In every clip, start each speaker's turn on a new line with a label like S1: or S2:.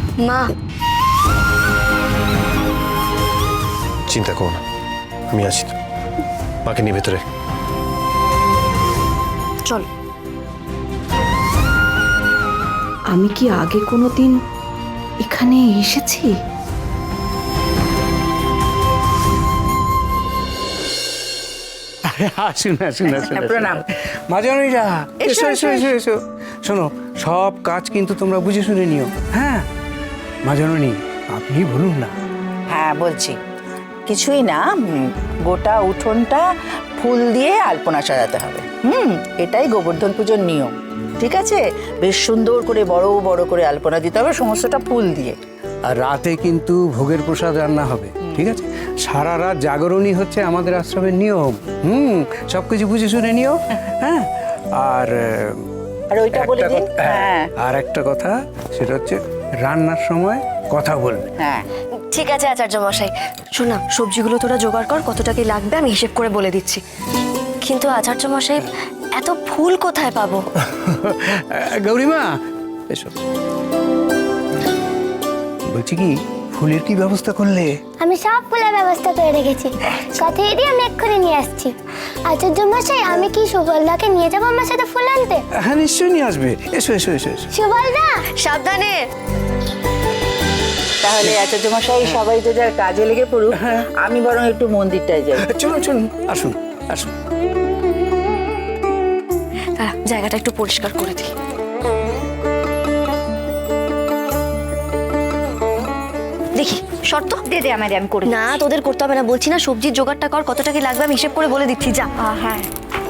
S1: মা,
S2: চিন্তা করো না, আমি আছি তো। মাকে নিয়ে ভেতরে
S1: চল।
S3: আমি কি আগে কোনোদিন এখানে এসেছি?
S4: আসুন আসুন আসুন প্রণাম। মাজনীরা এসো এসো এসো এসো। শোনো, সব কাজ কিন্তু তোমরা বুঝে শুনে নিও। হ্যাঁ মাজনী, আপনি বলুন না।
S5: হ্যাঁ বলছি, কিছুই না, গোটা উঠোনটা ফুল দিয়ে আলপনা সাজাতে হবে। এটাই গোবর্ধন পুজোর নিয়ম, ঠিক আছে? বেশ সুন্দর করে বড় বড় করে আলপনা দিতে হবে, সমস্তটা ফুল দিয়ে।
S4: আর রাতে কিন্তু ভোগের প্রসাদ রান্না হবে, ঠিক আছে? সারা রাত জাগরণই হচ্ছে আমাদের আশ্রমের নিয়ম। সবকিছু বুঝে শুনে নিও। হ্যাঁ, আর
S5: ওইটা বলে দিন। হ্যাঁ,
S4: আর একটা কথা, সেটা হচ্ছে রান্নার সময় কথা বলবে।
S5: হ্যাঁ
S1: ঠিক আছে আচার্য মশাই। শোন না, সবজিগুলো তোরা জোগাড় কর, কতটা কি লাগবে আমি হিসেব করে বলে দিচ্ছি। কিন্তু আচার্য মশাই, এত ফুল কোথায় পাবো?
S4: গৌরীমা এসো। বলছি কি, ফুলের কি ব্যবস্থা করলে?
S6: আমি সব ফুলের ব্যবস্থা করে রেখেছি, কথা দিয়ে আমি এক্ষুনি নিয়ে আসছি। আচার্য মশাই, আমি কি সুবলদাকে নিয়ে যাবো আমার সাথে ফুল আনতে?
S4: হ্যাঁ নিশ্চয়ই নিয়ে আসবে। এসো এসো এসো এসো।
S6: সুবলদা
S1: সাবধানে।
S5: তাহলে আচার্য মশাই সবাই তো যার কাজে লেগে পড়ুক, আমি বরং একটু মন্দিরটায় যাই।
S4: চলুন চলুন, আসুন আসুন।
S1: দাঁড়া, জায়গাটা একটু পরিষ্কার করে দিই। দেখি শর্ত
S6: দে দে আমারে, আমি করে
S1: না, তোদের করতে হবে না, বলছি না সবজির জোগাড়টা কর, কতটা কি লাগবে আমি হিসেব করে বলে দিচ্ছি। যা।
S6: হ্যাঁ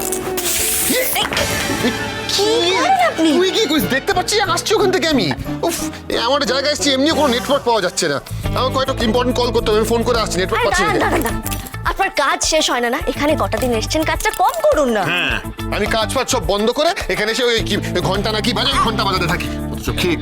S1: কি করেন আপনি?
S2: তুই কি করিস? দেখতে পাচ্ছি আসছি ওখান থেকে আমি। উফ, আমার জায়গায় এসেছি, এমনি কোনো নেটওয়ার্ক পাওয়া যাচ্ছে না। আমার কয়েকটা ইম্পর্টেন্ট কল করতে হবে, আমি ফোন করে আসছি, নেটওয়ার্ক
S1: আরে
S2: পাচ্ছি না।
S1: দাঁড়ান দাঁড়ান দাঁড়ান, আপনার কাজ শেষ হয় না না? এখানে কটা দিন এসেছেন, কাজটা কম করুন না।
S2: হ্যাঁ, আমি কাজ ফাজ সব বন্ধ করে এখানে এসে ওই কি ঘন্টা নাকি বাজে, ঘন্টা বাজাতে থাকি। অথচ ঠিক।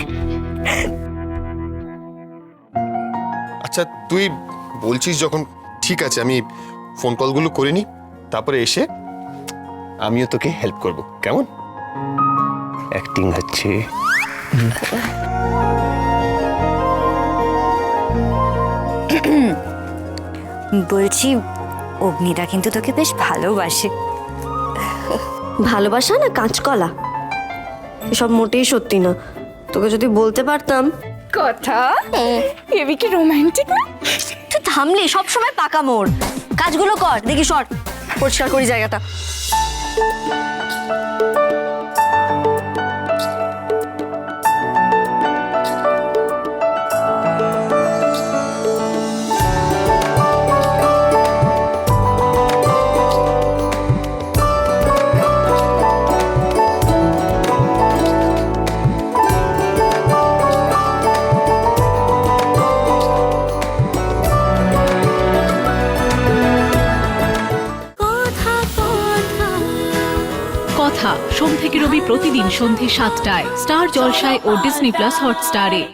S2: আচ্ছা তুই বলছিস যখন, ঠিক আছে, আমি ফোন কলগুলো করে নি, তারপরে এসে আমিও তোকে হেল্প করব, কেমন? অ্যাক্টিং হচ্ছে।
S7: বলছি, অগ্নিটা কিন্তু তোকে বেশ ভালোবাসে।
S1: ভালোবাসা না কাঁচকলা, এসব মোটেই সত্যি না। তোকে যদি বলতে পারতাম।
S7: কথা এবি কি রোমান্টিক না?
S1: তুই থামলি, সবসময় পাকা মোড়। কাজগুলো কর, দেখি সর, পরিষ্কার করি জায়গাটা।
S8: কথা সোম থেকে রবি প্রতিদিন সন্ধে ৭টায় স্টার জলসায় ও ডিজনি প্লাস হটস্টারে।